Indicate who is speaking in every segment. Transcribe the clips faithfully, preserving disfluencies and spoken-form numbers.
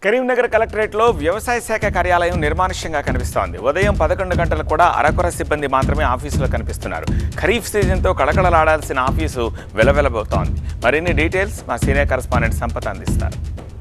Speaker 1: కరీంనగర్ కలెక్టరేట్లో వ్యవసాయ శాఖ కార్యాలయం నిర్మానుష్యంగా కనిపిస్తోంది. ఉదయం పదకొండు గంటలకు కూడా అరకొర సిబ్బంది మాత్రమే ఆఫీసులో కనిపిస్తున్నారు. ఖరీఫ్ సీజన్తో కళకళలాడాల్సిన ఆఫీసు వెలవెలబోతోంది. మరిన్ని డీటెయిల్స్ మా సీనియర్ కరెస్పాండెంట్ సంపత్ అందిస్తారు.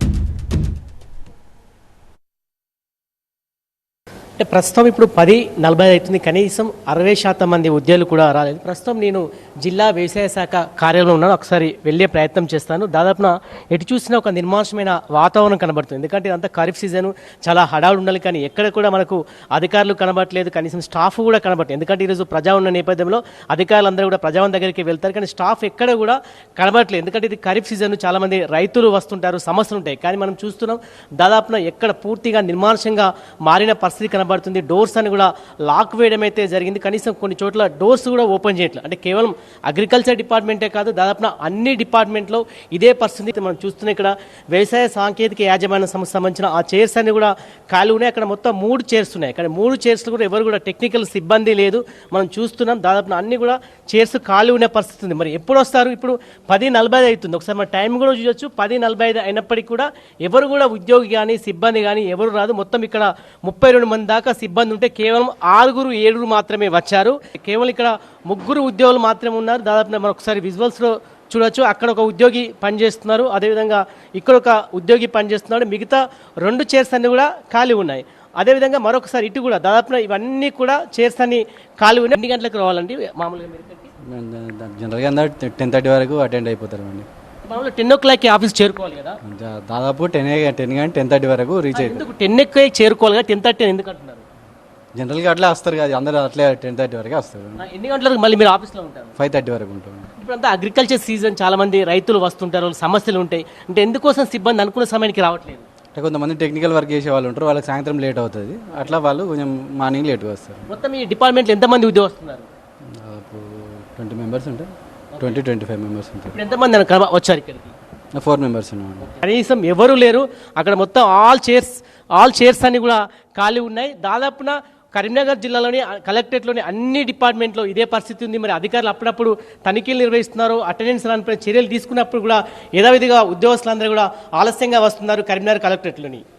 Speaker 2: అంటే ప్రస్తుతం ఇప్పుడు పది నలభై అవుతుంది. కనీసం అరవై శాతం మంది ఉద్యోగులు కూడా రాలేదు. ప్రస్తుతం నేను జిల్లా వ్యవసాయ శాఖ కార్యాలయంలో ఉన్నాను. ఒకసారి వెళ్ళే ప్రయత్నం చేస్తాను. దాదాపున ఎటు చూసినా ఒక నిర్మానుష్యమైన వాతావరణం కనబడుతుంది. ఎందుకంటే ఇదంతా ఖరీఫ్ సీజన్, చాలా హడావుడు ఉండాలి. కానీ ఎక్కడ కూడా మనకు అధికారులు కనబడట్లేదు, కనీసం స్టాఫ్ కూడా కనబడలేదు. ఎందుకంటే ఈరోజు ప్రజా ఉన్న నేపథ్యంలో అధికారులందరూ కూడా ప్రజావన్ దగ్గరికి వెళ్తారు, కానీ స్టాఫ్ ఎక్కడ కూడా కనబడట్లేదు. ఎందుకంటే ఇది ఖరీఫ్ సీజన్, చాలామంది రైతులు వస్తుంటారు, సమస్యలు ఉంటాయి. కానీ మనం చూస్తున్నాం దాదాపున ఎక్కడ పూర్తిగా నిర్మానుష్యంగా మారిన పరిస్థితి కనబడుతుంది. డోర్స్ అని కూడా లాక్ వేయడం అయితే జరిగింది. కనీసం కొన్ని చోట్ల డోర్స్ కూడా ఓపెన్ చేయట్లేదు. అంటే కేవలం అగ్రికల్చర్ డిపార్ట్మెంటే కాదు, దాదాపున అన్ని డిపార్ట్మెంట్లో ఇదే పరిస్థితి మనం చూస్తున్నాం. ఇక్కడ వ్యవసాయ సాంకేతిక యాజమాన్య సంస్థ సంబంధించిన ఆ చైర్స్ అన్ని కూడా ఖాళీ ఉన్నాయి. అక్కడ మొత్తం మూడు చైర్స్ ఉన్నాయి. అక్కడ మూడు చైర్స్ కూడా ఎవరు కూడా టెక్నికల్ సిబ్బంది లేదు. మనం చూస్తున్నాం దాదాపున అన్ని కూడా చైర్స్ ఖాళీ ఉన్న పరిస్థితి ఉంది. మరి ఎప్పుడు వస్తారు? ఇప్పుడు పది నలభై ఐదు అవుతుంది. ఒకసారి మన టైం కూడా చూడొచ్చు. పది నలభై ఐదు అయినప్పటికీ కూడా ఎవరు కూడా ఉద్యోగి కానీ సిబ్బంది కానీ ఎవరు రాదు. మొత్తం ఇక్కడ ముప్పై రెండు మంది దాకా సిబ్బంది ఉంటే కేవలం ఆరుగురు ఏడుగురు మాత్రమే వచ్చారు. కేవలం ఇక్కడ ముగ్గురు ఉద్యోగులు మాత్రమే ఉన్నారు. దాదాపు మనం ఒకసారి విజువల్స్లో చూడొచ్చు. అక్కడ ఒక ఉద్యోగి పనిచేస్తున్నారు, అదేవిధంగా ఇక్కడ ఒక ఉద్యోగి పనిచేస్తున్నాడు. మిగతా రెండు చైర్స్ అన్ని కూడా ఖాళీ ఉన్నాయి. అదేవిధంగా మరొకసారి ఇటు కూడా దాదాపు ఇవన్నీ కూడా చైర్స్ అన్ని ఖాళీ ఉన్నాయి. ఎన్ని గంటలకు రావాలండి మామూలుగా?
Speaker 3: జనరల్గా అందరూ టెన్ థర్టీ వరకు అటెండ్ అయిపోతారు అండి.
Speaker 2: మామూలుగా టెన్ ఓ క్లాక్కి ఆఫీస్ చేరుకోవాలి కదా?
Speaker 3: దాదాపు టెన్ టెన్ కానీ టెన్ థర్టీ వరకు రీచ్ అవుతుంది.
Speaker 2: ఎందుకు టెన్ ఎక్కి చేరుకోవాలి కదా, టెన్ థర్టీ ఎందుకు అంటున్నారు?
Speaker 3: జనరల్గా అట్లా వస్తారు కదా అందరూ, అట్లే టెన్ థర్టీ వరకు వస్తారు.
Speaker 2: ఎన్ని గంటలకు మళ్ళీ మీరు ఆఫీస్లో ఉంటారు?
Speaker 3: ఫైవ్ థర్టీ వరకు ఉంటాం.
Speaker 2: ఇప్పుడంతా అగ్రికల్చర్ సీజన్, చాలా మంది రైతులు వస్తుంటారు, సమస్యలు ఉంటాయి. అంటే ఎందుకోసం సిబ్బంది అనుకున్న సమయానికి రావట్లేదు?
Speaker 3: అంటే కొంతమంది టెక్నికల్ వర్క్ చేసే వాళ్ళు ఉంటారు, వాళ్ళకి సాయంత్రం లేట్ అవుతుంది. అట్లా వాళ్ళు కొంచెం మార్నింగ్ లేట్గా వస్తారు.
Speaker 2: మొత్తం ఈ డిపార్ట్మెంట్లో ఎంతమంది ఉద్యోగం వస్తున్నారు?
Speaker 3: ట్వంటీ మెంబర్స్ ఉంటారు, ట్వంటీ ట్వంటీ ఫైవ్ మెంబర్స్ ఉంటారు.
Speaker 2: ఇప్పుడు ఎంతమంది వచ్చారు ఇక్కడికి?
Speaker 3: ఫోర్ మెంబర్స్ ఉన్నాం.
Speaker 2: కనీసం ఎవరు లేరు అక్కడ. మొత్తం ఆల్ చైర్స్ ఆల్ చైర్స్ అన్ని కూడా ఖాళీ ఉన్నాయి. దాదాపున కరీంనగర్ జిల్లాలోని కలెక్టరేట్లోని అన్ని డిపార్ట్మెంట్లో ఇదే పరిస్థితి ఉంది. మరి అధికారులు అప్పుడప్పుడు తనిఖీలు నిర్వహిస్తున్నారు, అటెండెన్స్ రాని చర్యలు తీసుకున్నప్పుడు కూడా యథావిధిగా ఉద్యోగస్తులందరూ కూడా ఆలస్యంగా వస్తున్నారు కరీంనగర్ కలెక్టరేట్లోని.